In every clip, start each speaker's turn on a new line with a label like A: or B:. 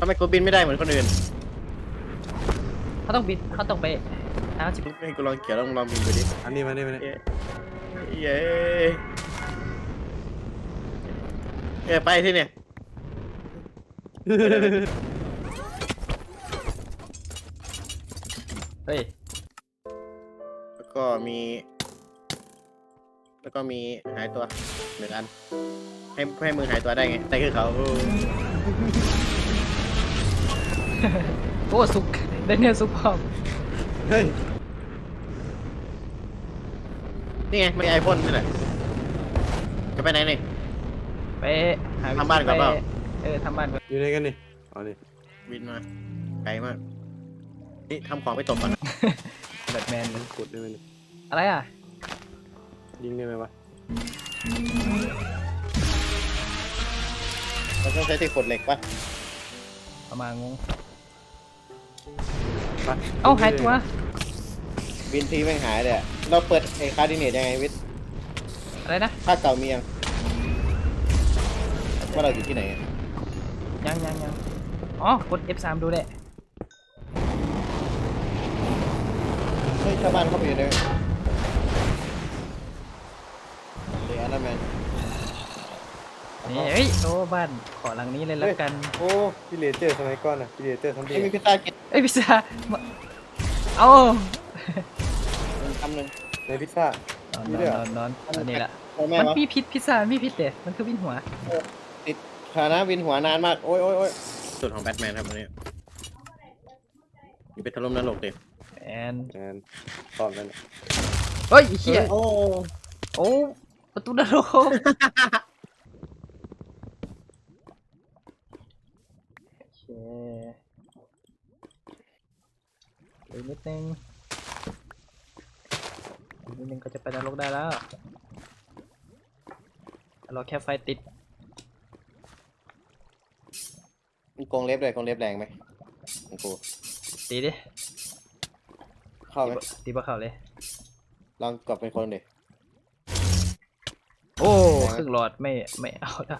A: ำไมกูบินไม่ได้เหมือนคนอื่น
B: เขาต้องบินเขาต้องไปสิบ
A: ให้กูลองเขียวลองบินไปดิ
C: อันนี้มานี่
A: เย้ไปที่เนี่ย
B: เฮ้ย
A: แล้วก็มีหายตัวหนึ่งอันให้มือหายตัวได้ไงแต่คือเขา
B: โอ้สุกได้เนี่ยสุกพร้อม
C: เฮ้ย
A: นี่ไงไม่ไอพ่นนี่แหละจะไปไหนนี่
B: ไปหา
A: ทำบ้านก่อนเปล่า
B: ทำบ้านก่อน
C: อยู่ไหนกันนี่อ๋อนี่
A: บินมาไกลมากนี่ทำของไปตกก่อน
B: แบทแมน
C: กดได้ไหมนี่
B: อะไรอ่ะ
C: ยิงได้ไหมวะ
A: เราต้องใช้ที่ขดเหล็กปะ
B: ประมาณงง
C: ไป
B: เอ้าหายตัว
A: บินทีแม่งหายเลยเราเปิดไอ้คาร์ดิเนตยังไงวิทย์
B: อะไรนะ
A: ค่าเก่ามียังว่าเราอยู่ที่ไหน
B: ยังอ๋อกด F3 ดูได้
A: เฮ้ยชาวบ้านเข้าไปอยู่เลยเดี๋ยวนะแมน
B: นี่เฮ้ยโอ้บ้านขอหลังนี้เลยแล้วกัน
C: โอ้พี่เลเจอร์สมัยก่อนอ่ะพี่เลเจอร์ทำดี
A: มีพิซซ่ากิน
B: พิซซ่าเอา
A: ทำหนึ่ง
C: ในพิซซ่าน
B: อนอันนี้ละมันมีพิษพิซซ่ามีพิษเลยมันคือวินหัว
A: ติดขานะวินหัวนานมากโอ้ยสุดของแบทแมนครับวันนี้อยู่ไปถล่มนรกดิ
B: แอน
C: ตอนนั้น
B: เฮ้ยเหี้ยโอ้ประตูนรกอีกนิดนึงก็จะไปนรกได้แล้วเราแค่ไฟติด
A: มีกรงเล็บด้วยกรงเล็บแรงไหมของกู
B: ตีดิ
A: เข้าไหม
B: ตีบ่เข้าเลย
A: ลองกดเป็นคนดิ
B: โอ้ครึ่งหลอดไม่เอาละ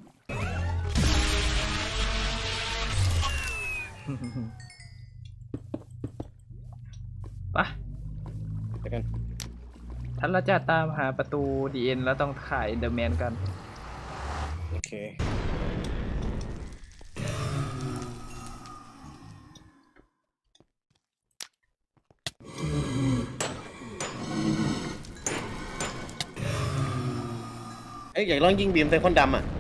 B: ปะ
A: ไปกัน
B: ท่านเราจะตามหาประตูดีเอ็นแล้วต้องถ่ายเดอะแมนกัน
A: โอเคอยากลองยิงบีมใส่คนดำอ่ะ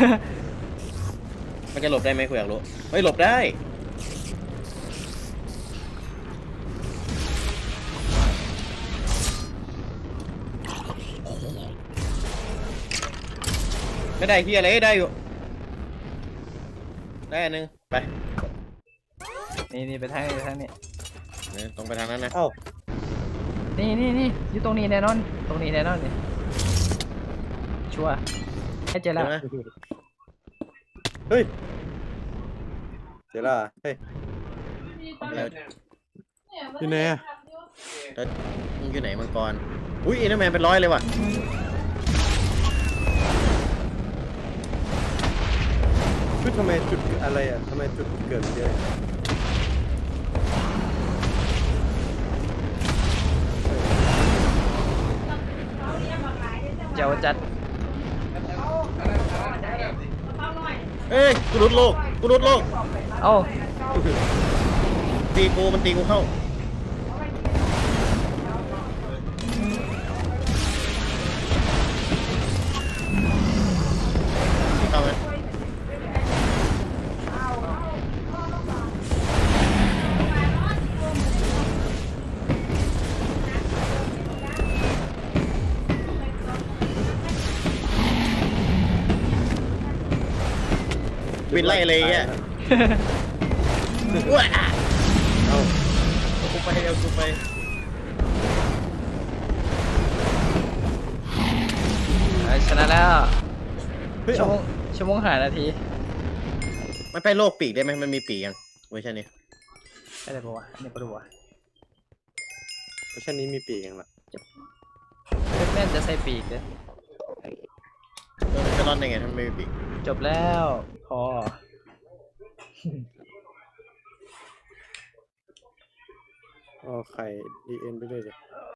A: มันจะหลบได้ไหมคุณอยากรู้เฮ้ยหลบได้ไม่ได้ที่อะไรได้อยู่ได้อันนึงไป
B: นี่ไปทางนี้
A: ตรงไปทางนั้นนะ
B: นี่อยู่ตรงนี้แน่นอนนี่ชัวร์ให้เจอแล้ว
C: เฮ้ยเจอแล้วเฮ้ยอยู่ไหนอ่ะ
A: มึงอยู่ไหนมังกรอุ้ยอินเตอร์แมนเป็น100เลยว่ะ
C: ทำไมจุดอะไรอ่ะทำไมจุดเกิดเยอะ
B: เจ้าจัด
A: เอ้ยกูรุดโลก
B: เอ้า
A: มันตีกูเข้าไหมวินไล่อะไรเงี้ยว้ากูไป
B: ชนะแล้วชั่วโมงหานาที
A: มันไปโลกปีกได้ไหมมันมีปีกยังเวอร์ชันนี้
B: อะไรปะวะนี่ปะวะ
C: เวอร์ชันนี้มีปีกยังล่ะ
B: แม่จะใส่ปีกเลย
A: มันจะรอดได้ไงถ้าไม่มีปีก
B: จบแล้วพอ
C: อ๋อไข่ดีเอ็นไปเลยดิ